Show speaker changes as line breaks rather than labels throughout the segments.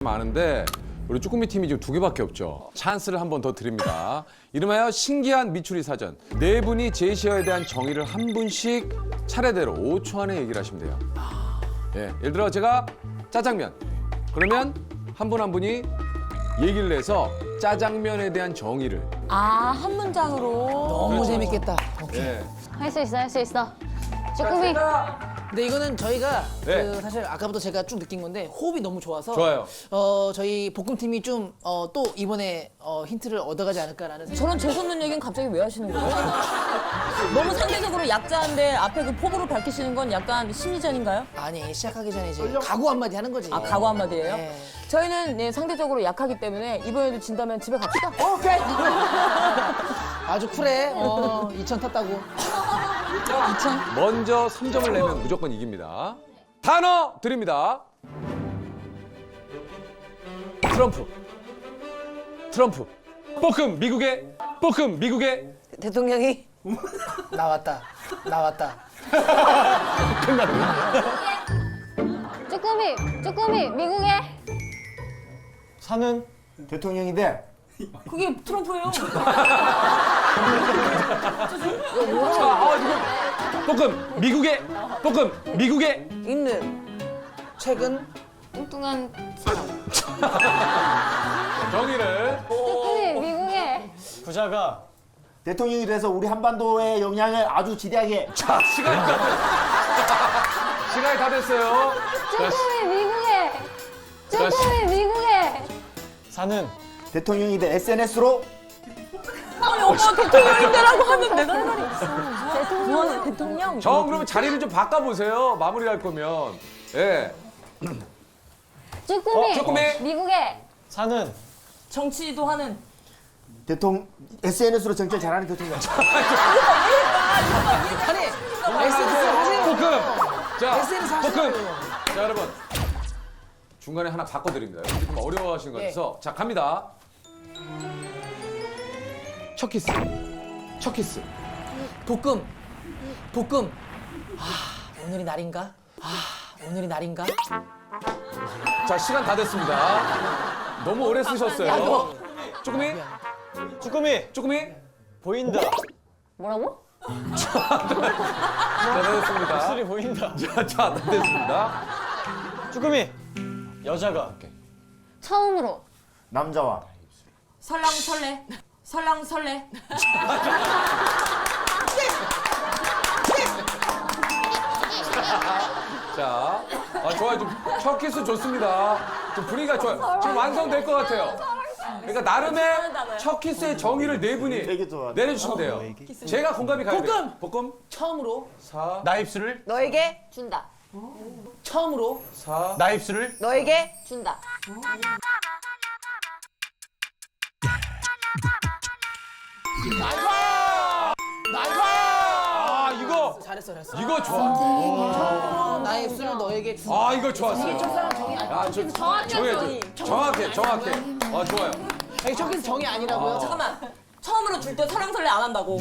많은데 우리 쭈꾸미 팀이 지금 2개밖에 없죠. 찬스를 한 번 더 드립니다. 이름하여 신기한 미추리 사전. 4분이 제시어에 대한 정의를 한 분씩 차례대로 5초 안에 얘기를 하시면 돼요. 예, 예를 들어 제가 짜장면. 그러면 한 분 한 분이 얘기를 해서 짜장면에 대한 정의를.
아, 한 문장으로.
너무 재밌겠다. 오케이.
예.
할 수 있어, 할 수 있어. 쭈꾸미.
근데 이거는 저희가
네.
그 사실 아까부터 제가 쭉 느낀 건데 호흡이 너무 좋아서
좋아요.
저희 볶음팀이 좀 또 이번에 힌트를 얻어가지 않을까라는 생각.
저런 재수없는 얘기는 갑자기 왜 하시는 거예요? 너무 상대적으로 약자인데 앞에 그 포부를 밝히시는 건 약간 심리전인가요?
아니 시작하기 전에 이제 각오 한마디 하는 거지.
아, 각오 한마디예요?
네.
저희는 네, 상대적으로 약하기 때문에 이번에도 진다면 집에 갑시다.
오케이. 아주 쿨해. 2000 탔다고.
2000.
먼저 3점을 내면 무조건 이깁니다. 단어 드립니다. 트럼프. 트럼프. 볶음 미국의
대통령이 나왔다.
쭈꾸미, 미국에.
사는 대통령인데
그게 트럼프예요.
볶음 미국의
있는 최근
뚱뚱한 사람.
정의를
쭈꾸미, 미국에.
부자가
대통령이 돼서 우리 한반도의 영향을 아주 지대하게.
자 시간이 다 됐어요.
쭈꾸미, 미국에. 쭈꾸미, 미국에.
사는
대통령이 돼 SNS로
아니, 오빠 대통령인데라고 하면 내가 할 말이 없어. 무한 대통령.
정 그러면 자리를 좀 바꿔보세요. 마무리할 거면. 예. 쭈꾸미.
미국에.
사는
정치도 하는.
SNS로 정치를 잘하는 대통령.
아니 SNS 하세요.
볶음. 자,
SNS 하세요.
볶음. 자, 여러분. 중간에 하나 바꿔드립니다. 여러분 좀 어려워하시는 것 같아서. 자, 갑니다. 첫 키스.
볶음. 오늘이 날인가?
자, 시간 다 됐습니다. 너무 오래 쓰셨어요. 쭈꾸미.
보인다.
뭐라고?
자, 다 됐습니다.
목소리 보인다.
자, 다 됐습니다.
쭈꾸미 여자가
처음으로.
남자와
설랑설레.
자, 좋아요. 첫 키스 좋습니다. 좀 분위기가 좋아요. 지금 완성될 것 같아요. 그러니까 나름의 첫 키스의 정의를 4분이
되게 좋아.
내려주시면 돼요. 제가 공감이 가야 돼요. 볶음.
처음으로
나 입술을
너에게
준다.
처음으로
나 입술을
너에게
준다.
아, 이거
잘했어.
이거 좋아.
나의 입술을 너에게 주.
아, 이거 좋았어요.
첫사랑 정이 아니야.
아, 정확해. 좋아요.
아니, 저기서 정이 아니라고요.
잠깐만. 처음으로 줄 때 설랑설레 안 한다고.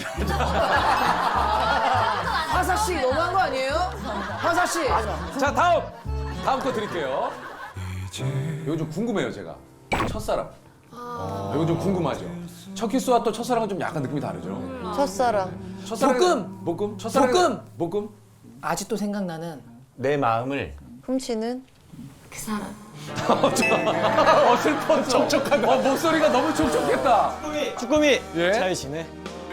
화사 씨 너무한 거 아니에요? 화사 씨.
자, 다음 거 드릴게요. 이거 좀 궁금해요, 제가. 첫사랑. 이거 좀 궁금하죠. 첫 키스와 또 첫사랑은 좀 약간 느낌이 다르죠.
첫사랑.
볶음. 첫사랑. 볶음.
아직도 생각나는
내 마음을
훔치는 그 사람.
슬퍼. 촉촉하다. 목소리가 너무 촉촉했다.
쭈꾸미
예?
잘 지내.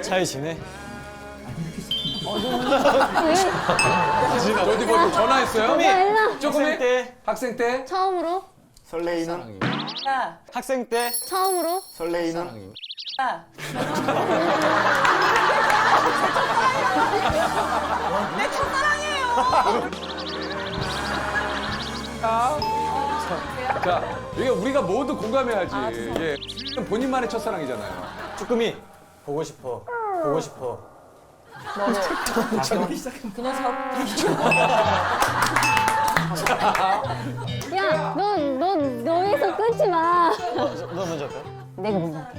어디 뭐 전화했어요?
학생 때
학생 때?
처음으로.
설레이는
야,
학생 때
처음으로.
설레이는
야. 내 첫사랑이에요.
자, 이게 우리가 모두 공감해야지. 예. 본인만의 첫사랑이잖아요.
쭈꾸미 보고 싶어.
그냥 서.
야, 너에서 끊지 마.
너 먼저 할까요?
내가 먼저 할게.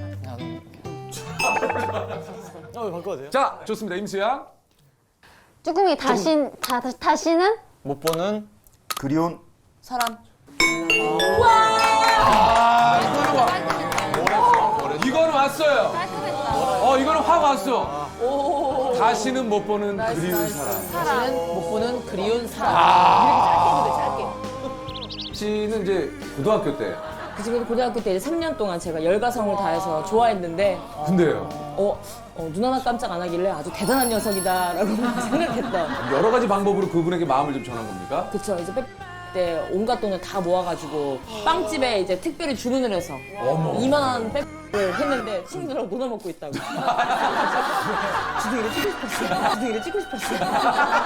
바꿔도 돼요?
자, 좋습니다. 임수양.
쭈꾸미 다시는
못 보는
그리운
사람.
아, 좋아요. 이거는 확 왔어. 다시는 못 보는 그리운 사람.
다시는 못 보는 그리운 사람.
씨는 이제 고등학교 때.
그 지금 고등학교 때 이제 3년 동안 제가 열과성을 다해서 좋아했는데
근데요.
눈 하나 깜짝 안 하길래 아주 대단한 녀석이다라고 생각했던.
여러 가지 방법으로 그분에게 마음을 좀 전한 겁니까?
그쵸. 이제 때 온갖 돈을 다 모아가지고 빵집에 이제 특별히 주문을 해서 2만 원 백을 했는데 친구들하고 논아 먹고 있다고. 주둥이를 찍고 싶었어요. 주둥이를 찍고 싶었어요. 너무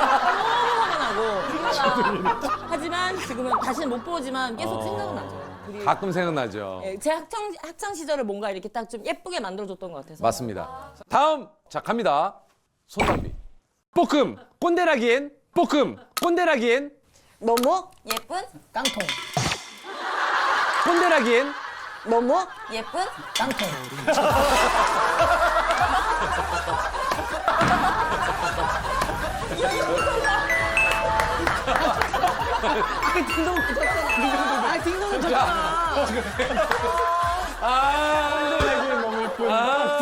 화가 나고. 하지만 지금은 다시는 못 보지만 계속 생각은 나죠.
가끔 생각나죠.
제 학창 시절을 뭔가 이렇게 딱 좀 예쁘게 만들어줬던 것 같아서.
맞습니다. 다음 자 갑니다. 손담비. 볶음 꼰대라기엔 볶음 꼰대라기엔
너무 예쁜
깡통.
꼰대라기엔
너무 예쁜
깡통. 딩동은 좋잖아.
꼰대라기엔 너무 예쁜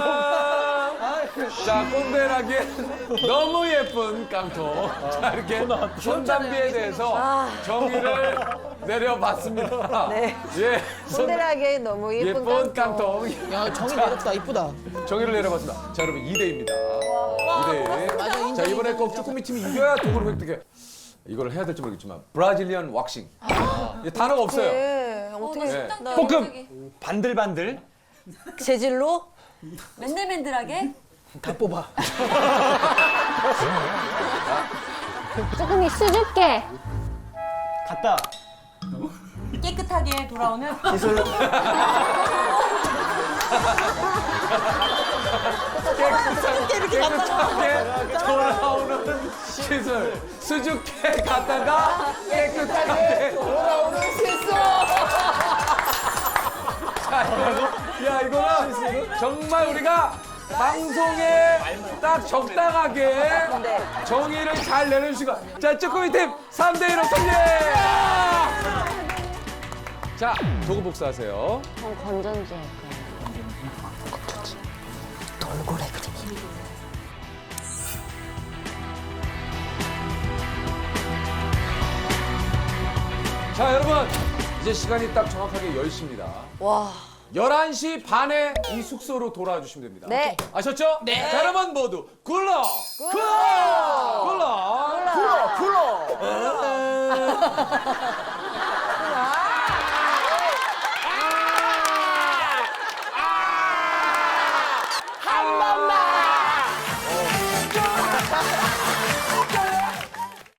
자 꼰대라기엔 너무 예쁜 깡통. 자 이렇게 손담비에 대해서 정의를 내려봤습니다.
네.
예.
꼰대라게 너무 예쁜
예쁜
깡통.
깡통.
야, 정이 내렸다. 이쁘다.
정의를 내려봤습니다. 자, 여러분 2대입니다. 2대.
맞아, 인정,
자, 이번에
인정,
꼭
인정.
쭈꾸미 팀이 이겨야 도구를 획득해. 이걸 해야 될지 모르겠지만 브라질리언 왁싱. 이 단어가 없어요.
네, 어떻게
네. 볶음.
반들반들.
재질로
맨들맨들하게
다 뽑아.
쭈꾸미 수줍게.
갔다.
깨끗하게 돌아오는
기술.
깨끗하게 돌아오는 시술. 수줍게 갔다가 깨끗하게 돌아오는 시술. 야, 이거는 정말 우리가 방송에 딱 적당하게 정의를 잘 내려주시고. 자, 쭈꾸미 팀 3대1로 승리! 자, 도구 복사하세요.
전 건전지 할까요?
자, 여러분. 이제 시간이 딱 정확하게 10시입니다.
와
11시 반에 이 숙소로 돌아와 주시면 됩니다.
네.
아셨죠? 네. 자, 여러분 모두 굴러!
한 번만